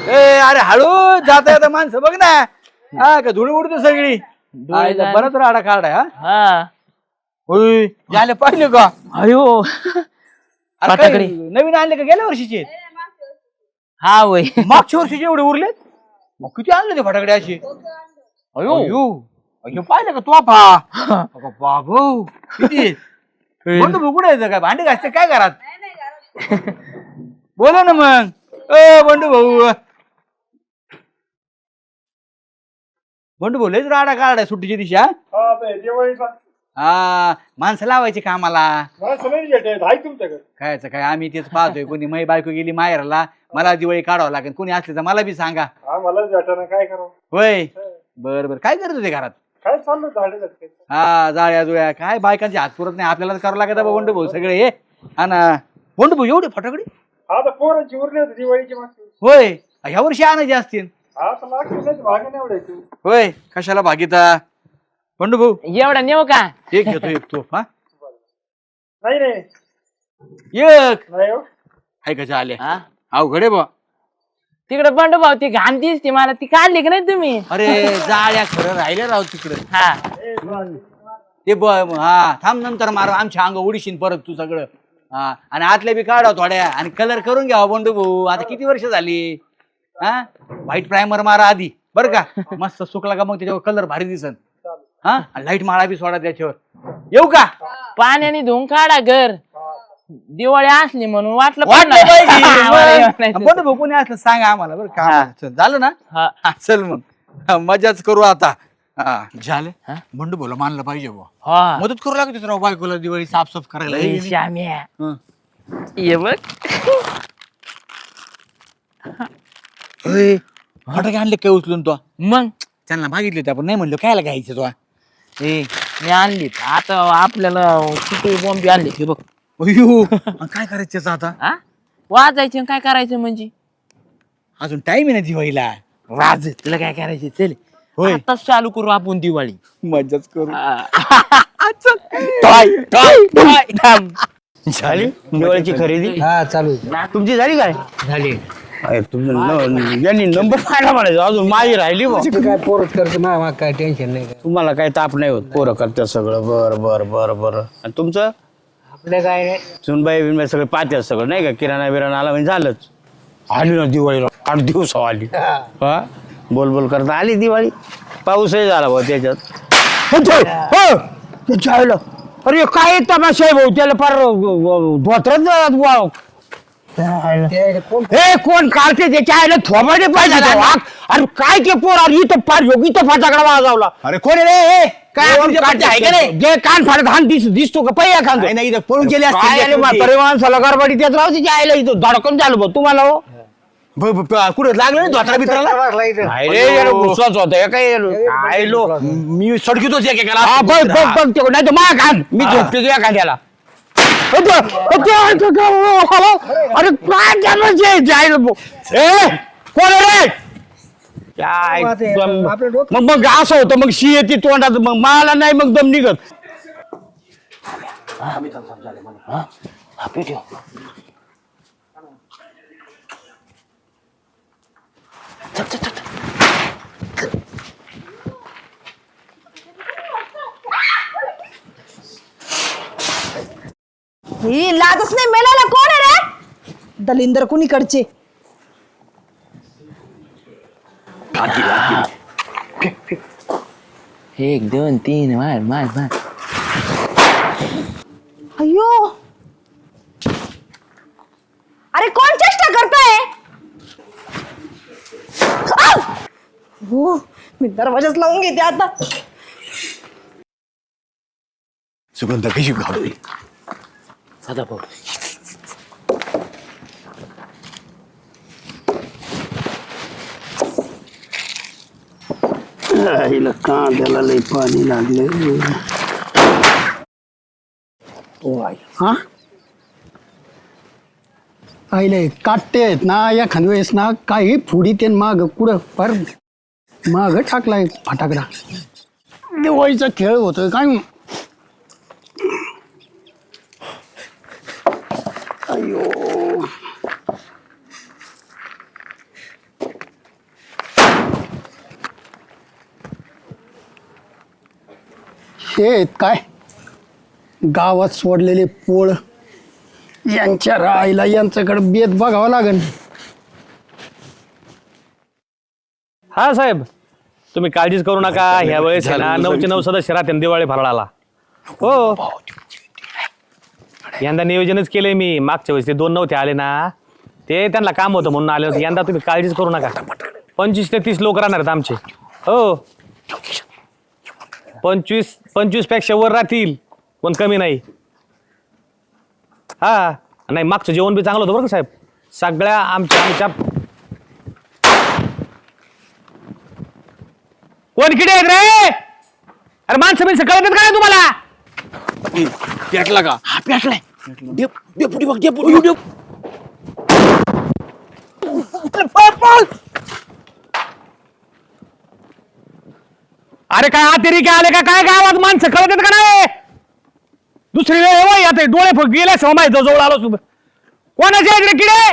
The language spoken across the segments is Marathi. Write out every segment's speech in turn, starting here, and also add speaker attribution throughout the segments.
Speaker 1: ए अरे हळू जाता येता माणसं बघ ना. हा का धुळी उडते सगळी. बरंच राडा काढाय. हा होय झाले पाहिले का?
Speaker 2: अयो
Speaker 1: फटाकडे नवीन आणले का गेल्या वर्षीचे?
Speaker 2: हा वय
Speaker 1: मागच्या वर्षीचे एवढे उरले. मग किती आणले ते फटाकडे असे? अयो अयो पाहिलं का तू बाबू किती बंडू भाऊ कुठे येतं काय भांडी घासते काय घरात? बोला ना मग. बंडू भाऊ बंडू भाऊ लयच राडा काढाय सुट्टीच्या दिवशी. हा माणसं लावायची कामाला. कायचं काय आम्ही तेच पाहतोय. कोणी मै बायको गेली माहेरला मला दिवाळी काढावं लागेल. कोणी असले तर मला बी सांगा.
Speaker 3: काय करावं
Speaker 1: होय बर बर काय करत होते घरात?
Speaker 3: काय चाललं
Speaker 1: हा जाळ्या जुळ्या काय बायकांचे हात पुरत नाही आपल्याला करावं लागत. बंडू भाऊ सगळे हे हा ना. बंडू भाऊ एवढे फटाकडे
Speaker 3: आता पोरांची उरली होती दिवाळीची मागची.
Speaker 1: होय ह्या वर्षी आणायचे असतील.
Speaker 3: आता लागते भाग नाही एवढ्याची.
Speaker 1: होय कशाला भागीता बंडू भाऊ?
Speaker 2: एवढा नेऊ का?
Speaker 1: एक घेतो एक तो. हा
Speaker 3: नाही रे
Speaker 1: एक
Speaker 3: नाही हो.
Speaker 1: हाय कशा आल्या अवघडे बा.
Speaker 2: तिकडे बंडू भाऊ ती घाण दिसते मला. ती काढली का नाही तुम्ही?
Speaker 1: अरे जाळ्या खरं राहिल्या राव तिकडे.
Speaker 2: हा
Speaker 1: ते हा थांब नंतर मार आमच्या अंग उडीशीन परत तू सगळं. हा आणि आतल्या बी काढा थोड्या आणि कलर करून घ्यावा बंडू भाऊ. आता किती वर्ष झाली. हा व्हाईट प्रायमर मारा आधी बरं का. मस्त सुकला का मग त्याच्यावर कलर भारी दिसन. हा लाईट माळा बी सोडा त्याच्यावर. येऊ का?
Speaker 2: पाण्याने धुवून काढा घर. दिवाळी असली म्हणून वाटलं
Speaker 1: बंडू भाऊ कोणी असलं सांगा आम्हाला बरं का. झालं ना?
Speaker 2: हा
Speaker 1: चल मग मजाच करू आता. झालं बंडू भाऊला मानलं पाहिजे बुवा. मदत करू लागते राव बायकोला दिवाळी साफसाफ करायला.
Speaker 2: श्याम्या ये बघ
Speaker 1: फटाके आणले काय उचलून तो?
Speaker 2: मग
Speaker 1: त्यांना मागितले होते आपण नाही म्हणलो कायला घ्यायचं तो.
Speaker 2: मी आणली आता आपल्याला किती बॉम्बे आणली हे बघ.
Speaker 1: अयो काय करायचं आता?
Speaker 2: वाजायचे काय करायचं म्हणजे
Speaker 1: अजून टाइम आहे ना दिवाळीला.
Speaker 2: वाज तुला काय करायचं चल.
Speaker 1: होय
Speaker 2: आताच चालू करू आपण दिवाळी.
Speaker 1: मजाच करू.
Speaker 4: झाली दिवाळीची खरेदी?
Speaker 5: हा चालू
Speaker 4: तुमची झाली काय?
Speaker 5: झाली.
Speaker 4: यांनी नंबर पाहिला म्हणायचं अजून माझी राहिली बा.
Speaker 5: काय पोरच करतो ना काय टेन्शन नाही.
Speaker 4: तुम्हाला काय ताप नाही होत. पोरं करतात सगळं. बर बर बर बर. आणि तुमचं?
Speaker 5: आपलं काय नाही.
Speaker 4: सुनबाई बिनबाई सगळे पाहतात सगळं नाही का. किराणा बिराणा आला म्हणजे झालंच. आली ना दिवाळीला 8 दिवस आली. हा बोल बोल करता आली दिवाळी. पाऊसही झाला भाऊ त्याच्यात. अरे काय तमाशा आहे भाऊ. त्याला फार धोत्रच हे कोण काढते त्याच्या आईला थोबाडे पाहिजे. अरे काय ते पोर अरे इथं फार योगी तर फटाकडा वाजवला.
Speaker 1: अरे कोण रे?
Speaker 4: काय आहे का नाही जे कान फाडत हान दिसतो का पहिया खान
Speaker 1: नाही पळून गेले
Speaker 4: म्हातारे माणसाला गरबाडी त्याच राहते त्या आईला इथं धडकन झालं बघ तुम्हाला हो.
Speaker 1: कुठं लागलं नाही धोत्रा बित्राला?
Speaker 4: गुस्साच होता काय आयलो
Speaker 1: मी सडकितोच एकेकाला.
Speaker 4: बघ बघ बघ ते नाही तर मा खान मी झोपते तुझ्या खांद्याला. अरे काय जायला कोण रे? मग असं होतं मग शी येते तोंडात मग मला नाही मग दम निघत.
Speaker 6: ही लाजच नाही मेलाला कोण आहे रे? दलिंदर कुणीकडचे?
Speaker 2: एक दोन तीन मार मार मार.
Speaker 6: अयो अरे कोण चेष्टा करताय? हो मी दरवाजाच लावून घेते आता.
Speaker 1: सुगंध कशी घालू
Speaker 2: सदा भाऊ
Speaker 4: कांद्याला लई पाणी लागले.
Speaker 5: हा आईले काटते आहेत ना एखाद वेळेस ना काही फुडी ते माग कुठं पर माग टाकलाय फटाकडा. दिवाळीचा खेळ होतोय काय. अयो हे आहेत काय गावात सोडलेले पोळ यांच्या राईला यांच्याकडे बेत बघावं लागेल.
Speaker 7: हा साहेब, तुम्ही काळजीच करू नका. ह्या वेळेस आहे ना 9चे 9 सदस्य राहते दिवाळी फराळाला. हो, यंदा नियोजनच केलंय मी. मागच्या वेळेस ते 2 नव्हते आले ना, ते त्यांना काम होतं म्हणून आले होते. यंदा तुम्ही काळजीच करू नका. 25 ते 30 लोक राहणार आहेत आमचे. हो, 25 पेक्षा वर राहतील, पण कमी नाही. हा नाही, मागचं जेवण बी चांगलं होतं बरं का साहेब. सगळ्या आमच्या कोण किडे आहेत रे? अरे माणसं कळत काय तुम्हाला?
Speaker 1: पेटला का?
Speaker 2: हा पेटलाय. डेपुटी बघ, डेपुटी.
Speaker 7: अरे काय आतेरी काय आले का काय गावात माणसं कळत आहेत का नाही? दुसरी वेळ आता डोळे गेले समाय जवळ आलो सुद्धा. कोणाचे आहेत रे किडे?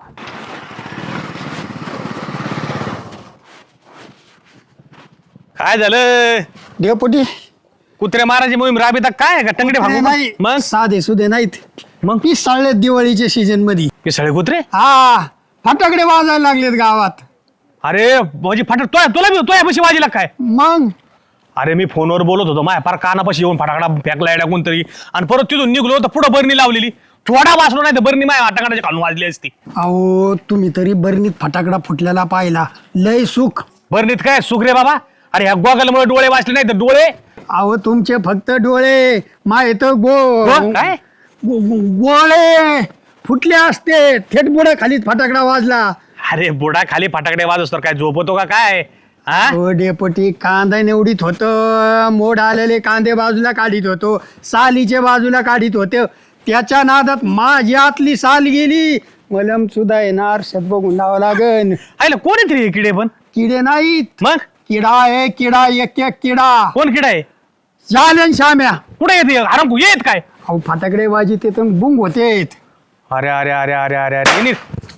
Speaker 7: काय झालं?
Speaker 5: डेपुटी
Speaker 7: कुत्रे मारायची मोहीम राबीता काय का टंगडे
Speaker 5: नाही
Speaker 7: फाडून? मग
Speaker 5: साधे सुधे नाहीत,
Speaker 7: मग
Speaker 5: पिसाळलेत दिवाळीच्या सीजन मध्ये.
Speaker 7: पिसाळे कुत्रे?
Speaker 5: हा फटाकडे वाजायला लागलेत गावात.
Speaker 7: अरे म्हणजे फाटक तुला बी पशी वाजीला काय?
Speaker 5: मग
Speaker 7: अरे मी फोनवर बोलत होतो, माय पार कानापाशी येऊन फटाकडा फेकला येड्या कोणतरी, आणि परत तिथून निघलो तर पुढं बरणी लावलेली. थोडा वाचलो नाही तर बरणी माय फटाकडाची खालून वाजली असती.
Speaker 5: अहो तुम्ही तरी बरणीत फटाकडा फुटलेला पाहिला, लय सुख.
Speaker 7: बरणीत काय सुख रे बाबा? अरे ह्या गोगलमुळे डोळे वाचले नाही तर डोळे
Speaker 5: अहो तुमचे फक्त डोळे, माय तर
Speaker 7: काय
Speaker 5: गोळे फुटले असते. थेट बुडा खालीच फटाकडा वाजला.
Speaker 7: अरे बुडा खाली फटाकडे वाजवस तर काय झोपतो का काय? हा
Speaker 5: हो डेपुटी, कांदा निवडीत होत, मोड आलेले कांदे बाजूला काढीत होतो, सालीचे बाजूला काढीत होते. त्याच्या नादात माझी आतली साल गेली. मलम सुद्धा येणार, शत बघून लावा लागन.
Speaker 7: आयला कोण आहे तरी हे किडे? पण
Speaker 5: किडे नाहीत,
Speaker 7: मग
Speaker 5: किडा आहे किडा, एक एक किडा.
Speaker 7: कोण किडा आहे?
Speaker 5: झालं श्याम्या.
Speaker 7: कुठे येते? आराम येत काय?
Speaker 5: अहो फटाकडे वाजी ते तर बुंग होते.
Speaker 7: अरे अरे अरे अरे अरे अरे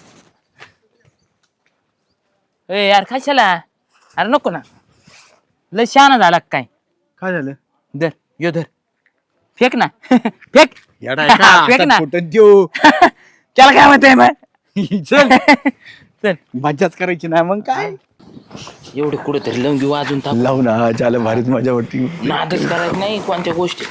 Speaker 2: ए यार कशाला? अरे नको ना, लय शहाणा झाला का काय?
Speaker 1: काय झालं?
Speaker 2: धर यो धर, फेक ना. फेक फेक ना.
Speaker 1: देऊ
Speaker 2: त्याला काय म्हणते मग?
Speaker 1: चल
Speaker 2: चल
Speaker 1: मजाच करायची ना मग काय.
Speaker 2: एवढे कुठे तरी लंगी वाजून टाक.
Speaker 1: लावू ना, झालं भारीच मजा वाटते.
Speaker 2: नादच करायचं नाही कोणत्या गोष्टी.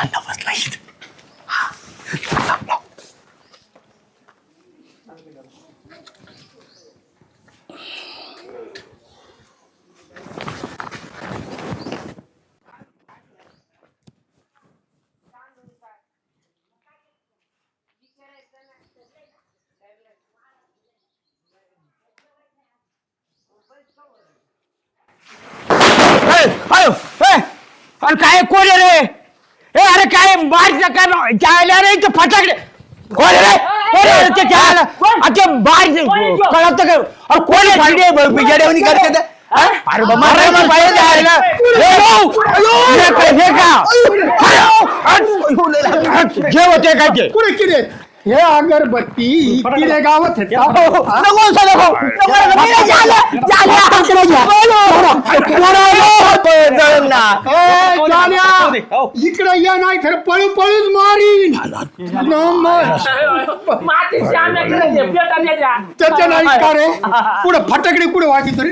Speaker 7: अरे काय कोण आहे रे? ए अरे काय बाहेर जायला रे ते फटाकडे कोण आहे रे? कोण आहे रे ते जायला? अच्छा बाहेर कळत का? अरे कोण आहे?
Speaker 1: बिजाड्यावनी करते ते.
Speaker 7: अरे बाबा अरे बाहेर जायला जे होते काय ते
Speaker 5: कुठे किडे? हे अगरबत्ती किडे गावात आहेत का? इकडे या नाही तर पळू पळूच मारीन. त्याच्या नाही का रे? पुढे फटाकडे कुठे वाजी तरी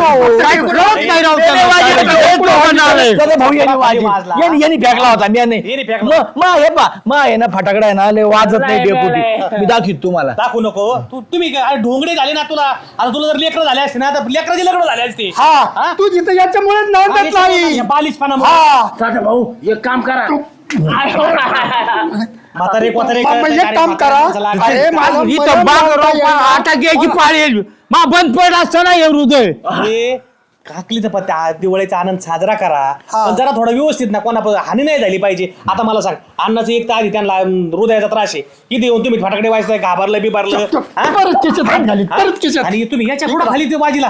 Speaker 1: यांनी फेकला होता मी ना फटाकडा आहे ना लय वाजत नाही डेपुटी. मी दाखवीत तुम्हाला.
Speaker 7: दाखवू नको तुम्ही ढोंगडे झाले ना तुला. आता तुला जर लेकरं झाले असते ना तर लेकराचे लग्न झाले असते.
Speaker 5: हा तू जिथं याच्यामुळे नांदत नाही.
Speaker 7: बालिशपणा
Speaker 2: भाऊ एक काम करा.
Speaker 7: म्हातारे कोतारे
Speaker 5: एक काम करा. अरे मला
Speaker 1: आता घ्यायची पाळी मा बंद पडला असताना हे हृदय.
Speaker 7: अरे काकलीचा पत्ता दिवाळीचा आनंद साजरा करा, पण जरा थोडा व्यवस्थित ना, कोणा हानी नाही झाली पाहिजे. आता मला सांग, अन्नाचं एक तर आधी त्यांना हृदयाचा त्रास आहे, इथे येऊन तुम्ही फटाकडे वाजताय, घाबरलं बिबारलं आणि तुम्ही याच्या पुढे खाली ते बाजीला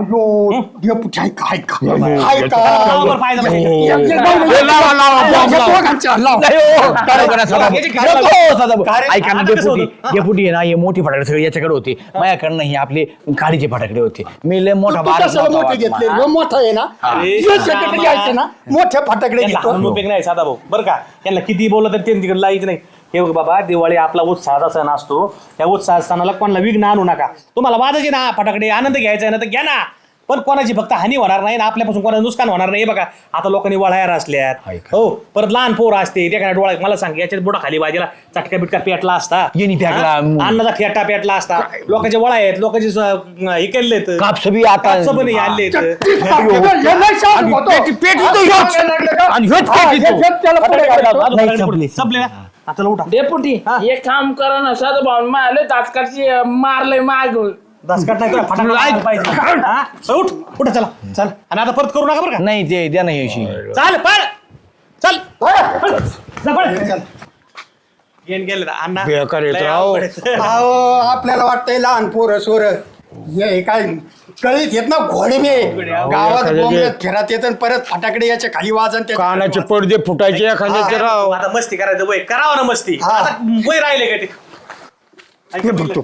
Speaker 1: ऐका ना डेपुटी आहे ना, हे मोठी फटाकडे सगळे याच्याकडे होते, माझ्याकडनं हे आपले काडीचे फटाकडे होते. मी लय मोठा बारा
Speaker 5: घेतले ह्यो मोठा आहे ना ह्यो secretary घ्यायचे ना मोठे फटाकडे
Speaker 7: त्यांना
Speaker 5: घेतो.
Speaker 7: हाणून उपयोग नाही साधा भाऊ बरं का त्यांना किती बोललं तर ते तिकडे लाईच नाही. हे बघ बाबा दिवाळी आपला उत्साहाचा सण असतो. त्या उत्साह सणाला कोणाला विघ्न आणू नका. तुम्हाला वाजायचे ना फटाकडे आनंद घ्यायचा आहे ना तर घ्या ना, पण कोणाची फक्त हानी होणार नाही ना आपल्यापासून कोणाचं नुकसान होणार नाही. हे बघा आता लोकांनी वळायला असल्यात हो, परत लहान पोरं असते त्या डोळा मला सांग याच्यात बोटा खाली बाजीला चटका बिटका पेटला असता,
Speaker 1: येणी फेकला.
Speaker 7: हा? अन्नाचा फेटा पेटला असता. लोकांचे वळा आहेत, लोकांचे हे केलेत
Speaker 1: कापस बी आता
Speaker 7: पण हे आणलेत.
Speaker 5: ह्यो लय शांत होतो.
Speaker 1: आणि ह्योच
Speaker 5: हा,
Speaker 1: पेटीतो.
Speaker 5: ह्यो त्याला पुढे काढतो.
Speaker 7: अजून फटाकडे संपले ना आता उठा.
Speaker 2: डेपुटी एक काम करा ना साधं भाऊ मारले तात्काळची मारलंय माग
Speaker 7: दसकट नाही तुला फटाकडे लावायला पाहिजे. हा? उठ उठ चला चल आणि आता परत करू नका बरं का.
Speaker 1: नाही ते द्या नाही अशी
Speaker 7: चाल पळ चल पळ. जा, पळ. गेन गेले रे, अण्णा
Speaker 4: बेकार येत
Speaker 7: लय
Speaker 4: राव.
Speaker 7: अवघड आहे.
Speaker 5: अहो, आपल्याला वाटतंय लहान पोरं सोर हे काय कळीत येत ना घोडे मे गावात बोंबलत फिरत येत आणि परत फटाकडे याच्या खाली वाजन ते
Speaker 4: कानाचे पडदे फुटायचे एखाद्याचे राव.
Speaker 7: आता मस्ती करायचं वय करावं ना मस्ती.
Speaker 5: हा.
Speaker 7: आता वय राहिले का ते
Speaker 4: हे बघतो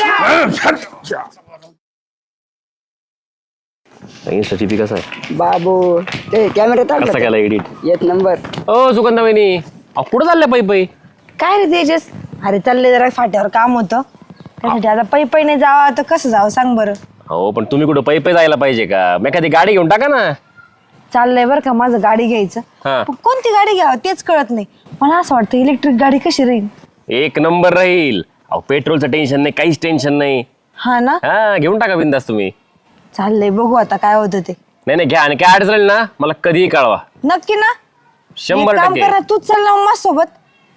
Speaker 8: सचिपी कसं आहे
Speaker 6: बाबू ते कॅमेरा
Speaker 8: कसा
Speaker 6: टाकला
Speaker 8: केला एडिट
Speaker 6: एक नंबर.
Speaker 8: ओ सुगंधा वहिनी कुठं चालल्या पै पै
Speaker 6: काय रे तेजस, अरे चालले जरा फाट्यावर काम होतं त्यासाठी आता पै पै नाही जावं तर कसं जावं सांग बरं.
Speaker 8: हो पण तुम्ही कुठं पै पै जायला पाहिजे का मी एखादी गाडी घेऊन टाका ना
Speaker 6: चाललंय बरं का माझं गाडी घ्यायचं,
Speaker 8: हा.
Speaker 6: पण कोणती गाडी घ्यावं तेच कळत नाही. मला असं वाटतं इलेक्ट्रिक गाडी कशी राहील.
Speaker 8: एक नंबर राहील. अहो पेट्रोलचं टेन्शन नाही काहीच टेन्शन नाही.
Speaker 6: हा ना,
Speaker 8: हा घेऊन टाका बिंदास तुम्ही.
Speaker 6: चाललंय बघू आता काय होतं ते.
Speaker 8: नाही नाही घ्या आणि काय अडचण राहील ना मला कधीही कळवा.
Speaker 6: नक्की ना,
Speaker 8: 100%
Speaker 6: कर ना तूच चल ना माझ्या सोबत.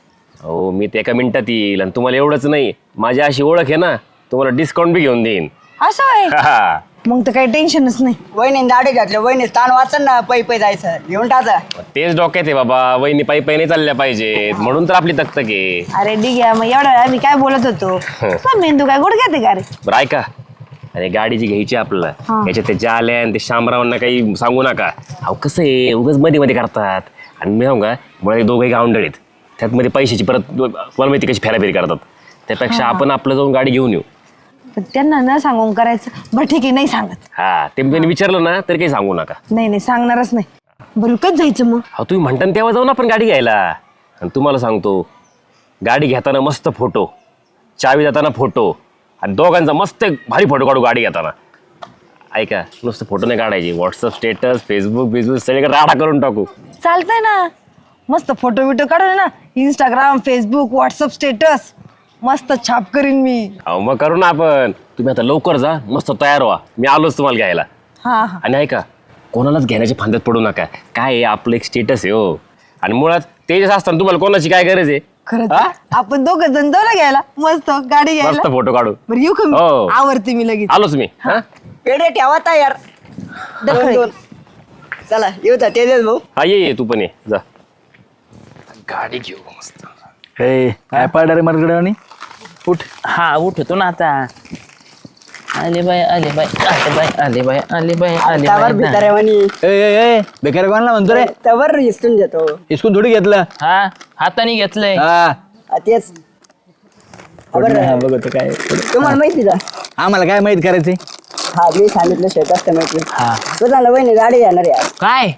Speaker 8: हो मी ते एका मिनिटात येईल आणि तुम्हाला एवढंच नाही माझी अशी ओळख आहे ना तुम्हाला डिस्काउंट बी घेऊन देईन.
Speaker 6: असं आहे
Speaker 8: हा.
Speaker 6: मग तर काही टेन्शनच नाही.
Speaker 9: वहिनी दाढी घातली वहिनी ताण वाचन ना पै पै जायचं घेऊन टाका.
Speaker 8: तेच डोक्यात आहे बाबा वहिनी पायी पायी नाही चालल्या पाहिजेत म्हणून तर आपली तकतक आहे.
Speaker 6: अरे ठीक आहे, मग एवढा वेळ आम्ही काय बोलत होतो. तुझा मेंदू काय गुडघ्यात आहे का रे.
Speaker 8: बरं ऐका अरे गाडी जी घ्यायची आपल्याला
Speaker 6: हा.
Speaker 8: याच्यात ते जाल्या आणि ते शामरावांना काही सांगू नका. अहो कसं आहे उगाच मध्ये मध्ये करतात आणि मी सांगू का मुळे दोघंही गावंडळ आहेत त्यात मध्ये पैशाची परत तुम्हाला माहिती कशी फेराफेरी करतात. त्यापेक्षा आपण आपलं जाऊन गाडी घेऊन येऊ.
Speaker 6: पण त्यांना न सांगून करायचं. बरं ठीक आहे, नाही सांगत.
Speaker 8: हा ते त्यांनी विचारलं ना तरी काही सांगू नका.
Speaker 6: नाही नाही सांगणारच नाही. बरं कधी जायचं मग.
Speaker 8: अहो तुम्ही म्हणता ना तेव्हा जाऊन आपण गाडी घ्यायला. आणि तुम्हाला सांगतो गाडी घेताना मस्त फोटो चावी जाताना फोटो आणि दोघांचा मस्त एक भारी फोटो काढू गाडी घेताना. ऐका नुसतं फोटो नाही काढायचे व्हॉट्सअप स्टेटस फेसबुक बिजबुक सगळीकडे राडा करून टाकू.
Speaker 6: चालतंय ना, मस्त फोटो बिटो काढून ना इंस्टाग्राम फेसबुक व्हॉट्सअप स्टेटस मस्त छाप करीन मी.
Speaker 8: अहो मग करू ना आपण. तुम्ही आता लवकर जा मस्त तयार व्हा मी आलोच तुम्हाला घ्यायला.
Speaker 6: हा हा
Speaker 8: आणि ऐका कोणालाच घेण्याच्या फांद्यात पडू नका. काय आहे आपलं एक स्टेटस आहे हो आणि मुळात तेजस असताना तुम्हाला कोणाची काय गरज आहे.
Speaker 6: खरंच
Speaker 8: हा?
Speaker 6: आपण दोघं जण जाऊ ना घ्यायला मस्त गाडी घ्यायला.
Speaker 8: मस्त फोटो काढू.
Speaker 6: बरं येऊ का मी?
Speaker 8: हो.
Speaker 6: आवडते मी लगेच.
Speaker 8: आलोच मी. हा
Speaker 9: पेढे ठेवा तयार
Speaker 6: दखल.
Speaker 9: दोन. चला येऊ द्या तेजस भाऊ.
Speaker 8: हा ये तू पण ये जा.
Speaker 1: हे काय पाडा रे मरगड्यावानी उठ.
Speaker 2: हा उठतो ना आता. आले बाय आले बाय आले बाय आले बाय आले बाय आले
Speaker 9: त्यावर
Speaker 2: बाय.
Speaker 9: भिताऱ्यावानी
Speaker 1: ए बेकार कोणाला म्हणतो रे
Speaker 9: त्यावर हिसकून देतो.
Speaker 1: इस्कून थोडी घेतलं.
Speaker 2: हा हाताने घेतलंय.
Speaker 1: हा
Speaker 9: तेच
Speaker 1: हा, बघतो काय
Speaker 9: तुम्हाला माहिती का.
Speaker 1: आम्हाला काय माहित करायचंय.
Speaker 9: हा मी सांगितलं शेत असतं माहिती.
Speaker 1: हा
Speaker 9: स्वतःला वहिनी गाडी येणार यार.
Speaker 2: काय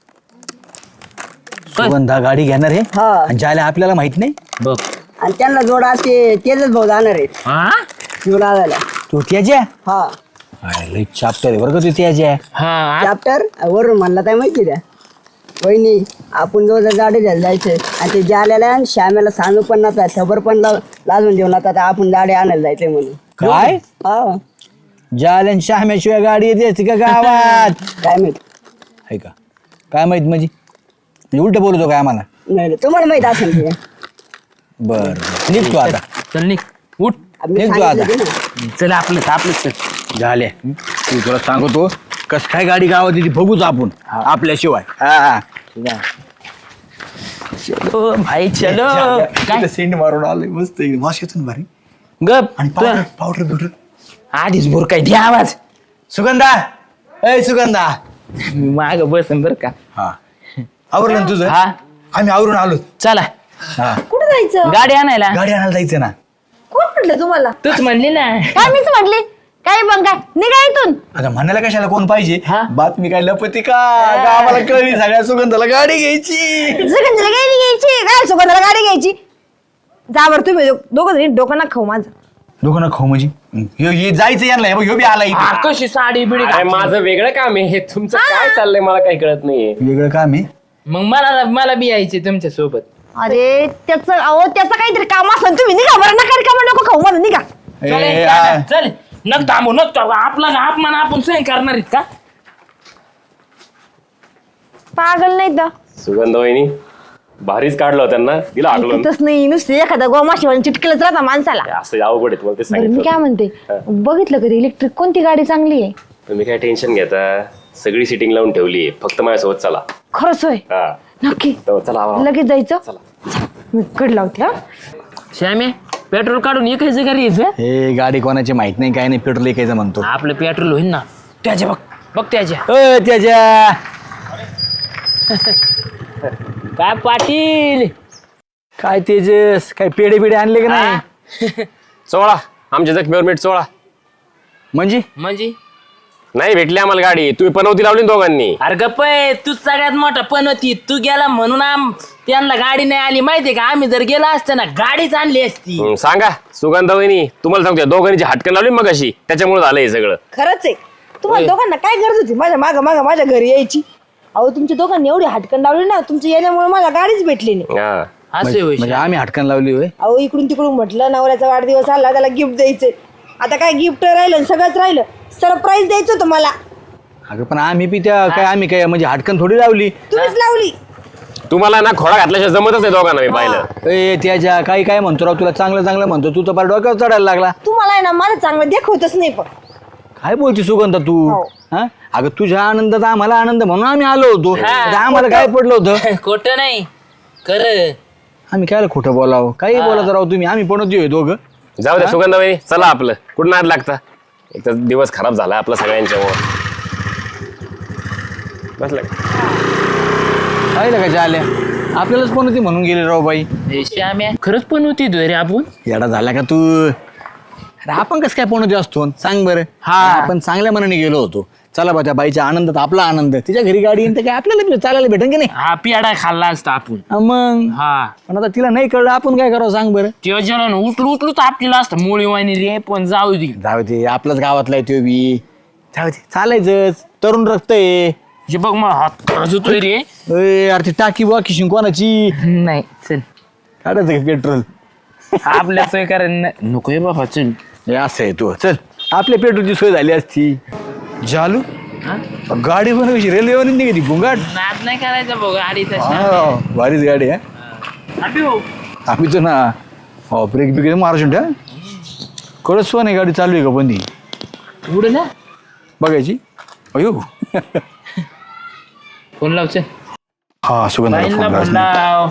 Speaker 1: सुगंधा गाडी घेणार आहे
Speaker 9: हा
Speaker 1: आणि ज्याला आपल्याला माहित नाही.
Speaker 2: बघ
Speaker 9: आणि त्यांना जोडा ते तेजस भाऊ जाणार आहे
Speaker 2: हा
Speaker 9: घेऊन आणायला.
Speaker 1: तू त्याच्या
Speaker 9: हा
Speaker 1: लई चाप्टर आहे बरं का तू त्याच्या.
Speaker 2: हा
Speaker 9: चॅप्टर वरून म्हणला काय माहिती द्या वहिनी आपण जो गाडी घ्यायला जायचंय आणि ते जाल्याला आणि श्यामेला सांगू पण नका खबर पण लाजून देऊ नका आता आपण गाडी आणायला जायचंय म्हणून.
Speaker 1: काय
Speaker 9: हा
Speaker 1: जालन शहाम्याशिवाय गाडी येते असते का गावात.
Speaker 9: काय माहित
Speaker 1: आहे का काय माहित म्हणजे उलट बोलतो काय आम्हाला.
Speaker 9: नाही नाही, तुम्हाला माहित असेल ते.
Speaker 1: बर निघतो आता.
Speaker 2: चल निघ उठ.
Speaker 9: आम्ही
Speaker 1: निघतो
Speaker 9: सांगितलं
Speaker 1: आता.
Speaker 9: ते ना.
Speaker 2: चल आपलं चल.
Speaker 1: झाले तू तुला सांगतो कस काय गाडी गावात येते बघूच आपण आपल्याशिवाय. हा
Speaker 2: चलो भाई चलो. काय
Speaker 1: सेंड मारून आलोय मस्त वास येतो ना भारी.
Speaker 2: गप
Speaker 1: आणि पावडर बिवडर
Speaker 2: आधीच भोर काय द्या आवाज.
Speaker 1: सुगंधा ए सुगंधा
Speaker 2: माग बसन बर का.
Speaker 1: हा आवरलं ना तुझं.
Speaker 2: हा
Speaker 1: आम्ही आवरून आलो.
Speaker 2: चला
Speaker 1: हा
Speaker 6: कुठं जायचं.
Speaker 2: गाडी आणायला.
Speaker 1: गाडी आणायला जायचं ना.
Speaker 6: कोण म्हटलं तुम्हाला.
Speaker 2: तूच म्हणली ना.
Speaker 6: काय मीच म्हटली. काय मग काय निघा इथून.
Speaker 1: आता म्हणायला कशाला कोण पाहिजे
Speaker 2: हा?
Speaker 1: बातमी काय लपती का गावाला कळली सगळ्या सुगंधाला गाडी घ्यायची.
Speaker 6: सुगंधाला गाडी घ्यायची काय सुगंधाला गाडी घ्यायची. जा बरं तुम्ही दोघं जणी डोकं ना खाऊ माझं.
Speaker 1: दोघं खाऊ म्हणजे हे जायचं यांना ह्यो बी आला इथे.
Speaker 2: कशी साडी बिडी
Speaker 8: अरे माझं वेगळं काम आहे, हे तुमचं काय चाललंय मला काही कळत नाहीये.
Speaker 1: वेगळं काम आहे.
Speaker 2: मग मला बी यायचे तुमच्या सोबत.
Speaker 6: अरे त्याचं काहीतरी काम असं तुम्ही निघा बरं नका रिकामं डोकं खाऊ माझं निघा.
Speaker 2: चल नक थांबू आपला अपमान आपण सहन करणार आहेत का.
Speaker 6: पागल नाही तर
Speaker 8: सुगंध वहिनी भारीच काढलं त्यांना, दिला आगलं.
Speaker 6: तस नाही नुसते एखादा गोमाशी चिटकलच राहता माणसाला.
Speaker 8: असं अवघड आहे तुम्हाला ते
Speaker 6: बरं मी
Speaker 8: सांगितलं.
Speaker 6: काय म्हणते बघितलं कधी इलेक्ट्रिक कोणती गाडी चांगली आहे.
Speaker 8: तुम्ही काय टेन्शन घेता, सगळी सिटिंग लावून ठेवली, फक्त माझ्यासोबत चला.
Speaker 6: खरंच होय
Speaker 8: हा
Speaker 6: नक्की
Speaker 8: तर चला आवा.
Speaker 6: लगेच जायचं. मी कड लावते. हा
Speaker 2: श्यामे पेट्रोल काढून एकायचं का रे यायचं?
Speaker 1: हे गाडी कोणाची माहित नाही काय नाही पेट्रोल एकायचं म्हणतो.
Speaker 2: आपलं पेट्रोल होईल ना. त्याच्या बघ त्याच्या.
Speaker 1: त्याच्या
Speaker 2: काय पाटील
Speaker 1: काय तेजस काय पेढे बिडे आणले का नाही.
Speaker 8: चोळा आमच्या जखमीवर मीठ चोळा.
Speaker 1: म्हणजे
Speaker 8: नाही भेटली आम्हाला गाडी, तुम्ही पनवती लावली ना दोघांनी.
Speaker 2: अरे गप्प आहे, तू सगळ्यात मोठा पण होती. तू गेला म्हणून त्यांना गाडी नाही आली माहितीये का. आम्ही जर गेला असतं ना गाडीच आणली असती.
Speaker 8: सांगा सुगंध वहिनी, तुम्हाला सांगतो दोघांची हटकन लावली मग अशी, त्याच्यामुळे झालं हे सगळं.
Speaker 6: खरंच आहे तुम्हाला दोघांना काय गरज होती माझ्या माग माझ्या घरी यायची. अहो तुमच्या दोघांनी एवढी हटकन लावली ना, तुमच्या येण्यामुळे मला गाडीच भेटली नाही.
Speaker 8: हा
Speaker 2: असे होय.
Speaker 1: म्हणजे आम्ही हटकन लावली होय.
Speaker 6: अहो इकडून तिकडून म्हटलं नवऱ्याचा वाढदिवस आला त्याला गिफ्ट द्यायचंय. आता काय गिफ्ट राहिलं सगळंच राहिलं. सरप्राईज द्यायचं होतं मला.
Speaker 1: अगं पण आम्ही बी त्या काय आम्ही काय म्हणजे हटकन थोडी लावली.
Speaker 6: तुम्हीच लावली.
Speaker 8: तुम्हाला ना खोडा घातल्याशिवाय जमतच नाही दोघांना, मी पाहिलं.
Speaker 1: ए त्याच्या काही काय म्हणतो राव, तुला चांगलं चांगलं म्हणतो तू तर पार डोक्यावर चढायला लागला.
Speaker 6: तुम्हाला आहे ना मला चांगलं देखवतच नाही. पण
Speaker 1: काय बोलती सुगंधा तू.
Speaker 6: हो.
Speaker 1: हा अगं तुझ्या आनंदात आम्हाला आनंद म्हणून आम्ही आलो होतो. आता आम्हाला काय पडलं होतं.
Speaker 2: खोटं नाही खरं.
Speaker 1: आम्ही काय खोटं बोलावं काही बोलायचं राव तुम्ही. आम्ही पण होतो दोघं.
Speaker 8: जाऊ दे सुगंध वहिनी, चला आपलं कुठं नाद लागता. एक तर दिवस खराब झाला आपला सगळ्यांच्यामुळे. बसलं
Speaker 1: पाहिलं का आल्या आपल्यालाच पण होती म्हणून गेले राव बाई.
Speaker 2: श्याम्या खरंच पण होती रे आपण.
Speaker 1: येडा झाला का तू. अरे आपण कसं काय पण असतो सांग बरं.
Speaker 2: हा.
Speaker 1: आपण चांगल्या मनाने गेलो होतो. चला बा त्या बाईच्या आनंदात आपला आनंद. तिच्या घरी गाडी येईन तर काय आपल्याला चालायला भेटेन की नाही.
Speaker 2: हा पेडा खाल्ला असता आपण.
Speaker 1: मग
Speaker 2: हा
Speaker 1: पण आता तिला नाही कळलं आपण काय करावं सांग बरं.
Speaker 2: तेव्हा जेवण उचलू तर आपल्याला असतं मुळी वाणी रे. पण जाऊ दे
Speaker 1: जाऊ दे आपल्याच गावातला आहे तो बी. जाऊ दे चालायचंच. तरुण रक्त आहे.
Speaker 2: हे बघ मग हात खरंच होतोय रे.
Speaker 1: अरे ती टाकी बा किशिंग कोणाची
Speaker 2: नाही चल
Speaker 1: काढायचं का पेट्रोल.
Speaker 2: आपल्या सोय कारण नको आहे बाबा. चल
Speaker 1: हे असं आहे तू चल आपल्या पेट्रोलची सोय झाली असती. जालू गाडी पण कशी रेल्वेवर निघाली भुंगाट.
Speaker 2: नाद नाही करायचा बघ गाडीचा.
Speaker 1: हा, भारीच गाडी आहे. आम्ही तो ना हो ब्रेक बिक मारायचं ठ्या कळत नाही गाडी चालू आहे का पण ती
Speaker 2: पुढे ना
Speaker 1: बघायची. अयो
Speaker 2: फोन लाव चल.
Speaker 1: हा सुगंध
Speaker 2: फोन लाव.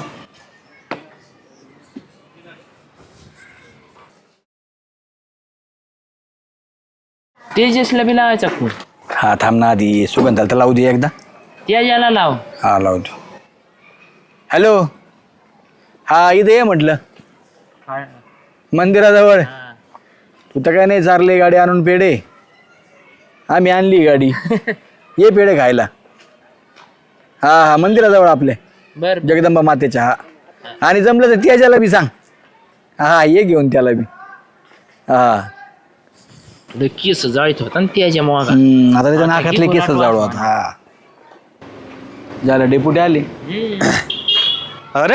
Speaker 2: तेजसला बी लावायचा फोन.
Speaker 1: हा थांब ना आधी सुगंधाला तर लावू दे एकदा.
Speaker 2: त्याला लाव.
Speaker 1: हा लावतो. हॅलो हा इथे ये म्हटलं मंदिराजवळ. तू तर काय नाही चारले गाडी आणून पेढे. आम्ही आणली गाडी. ये पेढे खायला. हा हा मंदिराजवळ आपले
Speaker 2: बर
Speaker 1: जगदंबा मातेच्या. हा आणि जमलं तर त्याच्याला बी सांग. हा ये घेऊन त्याला बी. हा
Speaker 2: केस जाळीत होता ना त्याच्या मग.
Speaker 1: आता त्याच्या नाकातले केस जाळू आता. हा झालं डेपुटी आले.
Speaker 7: अरे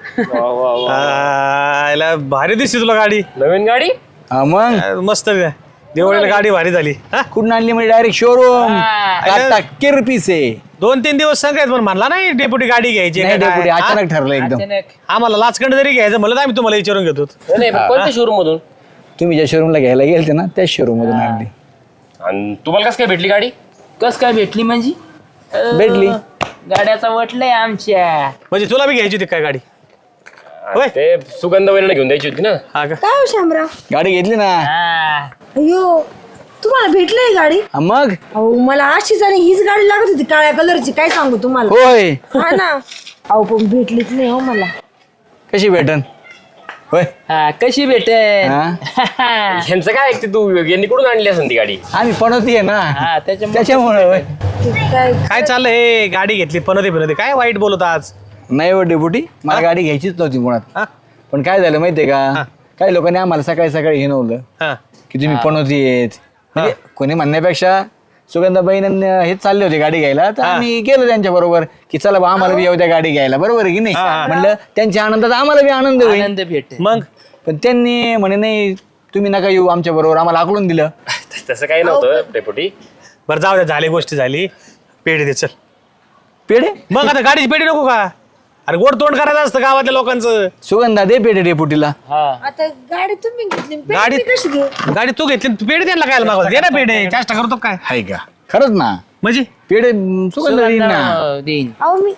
Speaker 7: याला भारी दिसते तुला गाडी.
Speaker 8: नवीन गाडी.
Speaker 1: हा मग
Speaker 7: मस्त दिवाळीला गाडी भारी झाली. हा
Speaker 1: कुठून आणली म्हणजे डायरेक्ट शोरूम. किरपीस आहे.
Speaker 7: 2-3 दिवस सांगायचं पण म्हणला नाही डेप्युटी गाडी घ्यायची
Speaker 1: नाही
Speaker 7: का
Speaker 1: डेपुटी
Speaker 7: काय?
Speaker 1: अचानक ठरलं एकदम.
Speaker 7: आम्हाला लाचखंड जरी घ्यायचं म्हणलं तर आम्ही तुम्हाला विचारून घेतो.
Speaker 8: नाही पण कोणत्या शोरूम मधून.
Speaker 1: तुम्ही ज्या शोरूमला घ्यायला गेलते ना त्याच शोरूम मधून आणली.
Speaker 8: आणि तुम्हाला कसं काय भेटली गाडी.
Speaker 2: कस काय भेटली म्हणजे.
Speaker 1: भेटली.
Speaker 2: गाड्याचा वटलंय आमच्या.
Speaker 7: म्हणजे तुला बी घ्यायची होती काय गाडी. होय.
Speaker 8: ते सुगंध वहिनीला घेऊन द्यायची होती ना.
Speaker 7: हा का.
Speaker 6: काय हो शामराव.
Speaker 1: गाडी घेतली ना.
Speaker 2: हा.
Speaker 6: अयो तुम्हाला भेटली गाडी.
Speaker 1: हा, मग
Speaker 6: अहो मला अशीच आणि हीच गाडी लागत होती काळ्या कलरची. काय सांगू तुम्हाला.
Speaker 1: होय
Speaker 6: हा ना. अहो पण भेटलीच नाही हो मला.
Speaker 1: कशी भेटन. होय
Speaker 2: हा कशी भेटेल
Speaker 8: ह्यांचं काय ऐकते तू यांनी कुठून आणली असेल ती गाडी
Speaker 1: आम्ही पणती आहे ना
Speaker 2: हा
Speaker 1: त्याच्यामुळे होय.
Speaker 7: काय चाललंय हे गाडी घेतली पनोती काय वाईट बोलत आज
Speaker 1: नाही हो डेपुटी मला गाडी घ्यायचीच नव्हती मुळात
Speaker 7: हा?
Speaker 1: पण काय झालं माहितीये का काही लोकांनी आम्हाला सकाळी सकाळी हिनवलं
Speaker 7: हा.
Speaker 1: की तुम्ही पणवती आहेत म्हणजे कोणी म्हणण्यापेक्षा सुगंधाबाईनं हेच चालले होते गाडी घ्यायला तर आम्ही गेलो त्यांच्या बरोबर की चला बा आम्हाला बी येऊ द्या गाडी घ्यायला बरोबर आहे की नाही म्हणलं त्यांच्या आनंदात आम्हाला बी आनंद होईल
Speaker 2: आनंद भेटेल.
Speaker 7: मग
Speaker 1: पण त्यांनी म्हणे नाही तुम्ही नका येऊ आमच्या बरोबर आम्हाला आकलून दिलं
Speaker 8: तसं काही नव्हतं डेपुटी.
Speaker 7: बरं जाऊ द्या झाली गोष्ट झाली पेढे दे चल
Speaker 1: पेढे
Speaker 7: मग आता गाडीची पेढी नको का अरे गोड तोंड करायचं असतं गावातल्या लोकांचं
Speaker 1: सुगंधा दे पेढे डेपुटीला
Speaker 6: आता गाडी तुम्ही घेतली
Speaker 7: गाडी
Speaker 6: कशी घेऊ
Speaker 7: गाडी तू घेतली तू पेढे द्यायला काय मागवत दे ना पेढे जास्त करतो काय
Speaker 1: हाय का खरंच ना
Speaker 7: म्हणजे
Speaker 1: पेढे सुगंधा देईन ना
Speaker 2: देईन.
Speaker 6: अहो मी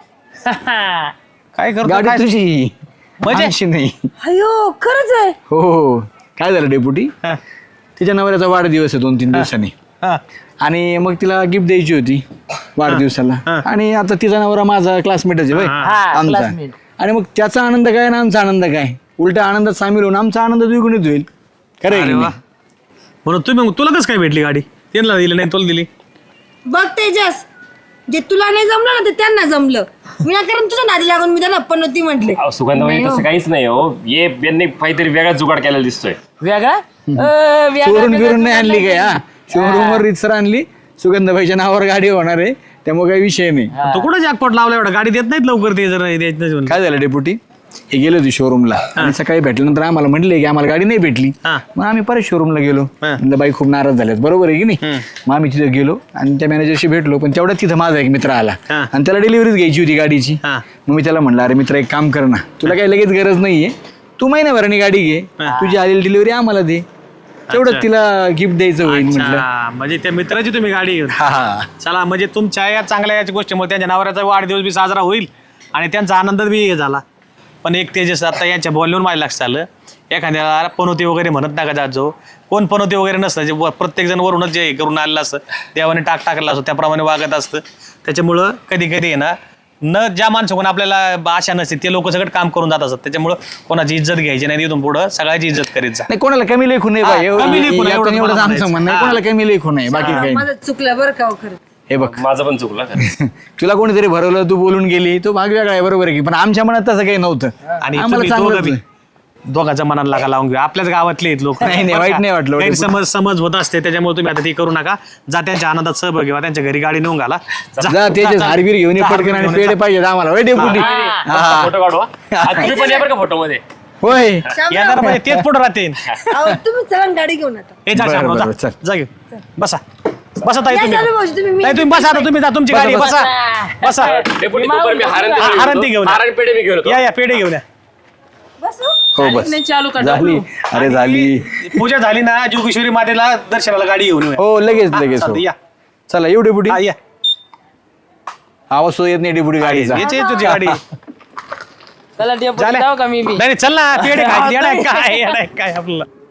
Speaker 7: काय करतो
Speaker 1: गाडी
Speaker 7: काय?
Speaker 1: तुझी
Speaker 7: म्हणजे?
Speaker 1: आमची नाही
Speaker 6: अयो खरंच आहे
Speaker 1: हो हो काय झालं डेपुटी
Speaker 7: हा.
Speaker 1: तिच्या नवऱ्याचा वाढदिवस आहे 2-3 दिवसांनी
Speaker 7: हा.
Speaker 1: आणि मग तिला गिफ्ट द्यायची होती वाढदिवसाला आणि आता तिचा नवरा माझा क्लासमेटच आहे होय, आमचा
Speaker 2: classmate.
Speaker 1: आणि मग त्याचा आनंद काय आणि आमचा आनंद काय उलटा आनंदात सामील होऊन आमचा आनंद द्विगुणित होईल खरं आहे
Speaker 7: अरे
Speaker 1: की
Speaker 7: वा
Speaker 1: नाही?
Speaker 7: म्हणून तुम्ही तुला कसं काय भेटली गाडी त्यांना दिली नाही तुला दिली
Speaker 6: बघ तेजस जे तुला नाही जमलं ना ते त्यांना जमलं विनाकारण तुझ्या नादी लागून मी त्यांना पनोती म्हटले
Speaker 8: अहो, सुगंधाबाई तसं काहीच नाही हो यांनी काहीतरी वेगळा जुगाड केलेला दिसतोय.
Speaker 2: वेगळा
Speaker 1: चोरून बिरून नाही आणली काय हा शोरूम वर रितसर आणली सुगंधाबाईच्या नावावर गाडी होणार आहे त्यामुळे काही विषय नाही
Speaker 7: तो कुठं जॅकपॉट लावला एवढा गाडी देत नाहीत लवकर ते जर द्यायचं नाही म्हणून.
Speaker 1: काय झालं डेपुटी हे गेलो होती शोरूमला आणि सकाळी भेटल्यानंतर आम्हाला म्हणले की आम्हाला गाडी नाही भेटली
Speaker 7: हा.
Speaker 1: मग आम्ही परत शोरूमला गेलो म्हणलं बाई खूप नाराज झाल्यात बरोबर आहे की नाही मग आम्ही तिथे गेलो आणि त्या मॅनेजरशी भेटलो पण तेवढ्यात तिथं माझा एक मित्र आला
Speaker 7: हा.
Speaker 1: आणि त्याला डिलिव्हरीच घ्यायची होती गाडीची
Speaker 7: हा.
Speaker 1: मग मी त्याला म्हणलं अरे मित्र एक काम कर ना तुला काही लगेच गरज नाहीये तू महिन्याभराने गाडी घे तुझी आलेली डिलिव्हरी आम्हाला दे तेवढं तिला गिफ्ट द्यायचं होईल म्हटलं
Speaker 7: अच्छा, म्हणजे त्या मित्राची तुम्ही गाडी घेऊन
Speaker 1: हा हा
Speaker 7: चला म्हणजे तुमच्या या चांगल्या याच्या गोष्टीमुळे त्यांच्या नवऱ्याचा वाढदिवस बी साजरा होईल आणि त्यांचा आनंद बी हे झाला पण एक तेजस आता यांच्या बोलण्यावर माझ्या लक्षात आलं एखाद्याला पनोती वगैरे म्हणत नका जात जो कोण पनोती वगैरे नसतं जे प्रत्येक जण वरूनच जे हे करून आलेलं असतं देवाने टाकला असतो त्याप्रमाणे वागत असतं त्याच्यामुळं कधी कधी आहे ना न ज्या माणसाकडून आपल्याला आशा नसते ते लोक सगळं काम करून जात असतात त्याच्यामुळं कोणाची इज्जत घ्यायची नाही इथून पुढं सगळ्याची इज्जत करीत जा
Speaker 1: नाही कोणाला कमी लेखू नाही बाई
Speaker 7: कमी लेखू नाही, एवढं
Speaker 1: एवढंच
Speaker 7: मला
Speaker 1: आमचं
Speaker 7: म्हणायचं.
Speaker 1: म्हणणं आहे. कोणाला कमी लेखू नाही बाकी काही नाही.
Speaker 6: माझं चुकलं बरं का हो खरं
Speaker 1: हे बघ
Speaker 8: माझं पण चुकलं खरं.
Speaker 1: तुला कोणीतरी भरवलं तू बोलून गेली तो भाग वेगळा आहे बरोबर आहे की पण आमच्या मनात तसं काही नव्हतं
Speaker 7: आणि
Speaker 1: आम्हाला
Speaker 7: तुम्ही
Speaker 1: चांगलंच
Speaker 7: दोघं बी-
Speaker 1: आहे.
Speaker 7: दोघांच्या मनाला लागा लावून घेऊ आपल्याच गावातले आहेत लोक
Speaker 1: नाही, नाही, वाईट नाही वाटलं.
Speaker 7: समज होत असते त्याच्यामुळे तुम्ही आता ते करू नका जा त्यांच्या आनंदात सहभाग घ्या त्यांच्या घरी गाडी नेऊन घाला
Speaker 1: जा त्याचे हारबीर घेऊन ये पटकन आणि पेढे पाहिजे आम्हाला होय डेपुटी हा.
Speaker 8: फोटो काढू हा. आज तुम्ही पण या बरं का फोटो मध्ये
Speaker 1: होय
Speaker 7: येणार म्हणजे तेच पुढे राहते
Speaker 6: अहो तुम्ही चला ना गाडी घेऊन आता
Speaker 7: हे जा
Speaker 1: बरं,
Speaker 7: शामराव,
Speaker 1: बरं,
Speaker 7: जा.
Speaker 1: चल.
Speaker 7: जा घेऊ बसा बसा ताई
Speaker 6: या
Speaker 7: तुम्ही
Speaker 6: चालू भाऊजी, तुम्ही मी-
Speaker 7: ताई तुम्ही बसा आता तुम्ही जा तुमची गाडी आहे, बसा बसा
Speaker 8: डेपुटी तोपर्यंत मी
Speaker 7: हारंती घेऊन या.
Speaker 8: हारण पेढे मी घेऊन येतो.
Speaker 7: या पेढे घेऊन या
Speaker 6: बसू
Speaker 1: हो बस
Speaker 2: नाही चालू का
Speaker 1: झाली अरे झाली
Speaker 7: पूजा झाली ना जोगेश्वरी मातेला दर्शनाला गाडी घेऊन येऊया.
Speaker 1: हो लगेच लगेच हो.
Speaker 7: चालतं, या
Speaker 1: चला येऊ डेपुटी
Speaker 7: हा, या
Speaker 1: आवाज तो येत नाही डेपुटी गाडीचा
Speaker 7: याची आहे तुझी गाडी
Speaker 2: चला डेपुटी
Speaker 7: झाल्या?
Speaker 2: जाऊ का मी बी
Speaker 7: नाही नाही, चल ना पेढे खायचे येडा आहे, काय येडा आहे, काय आपल्याला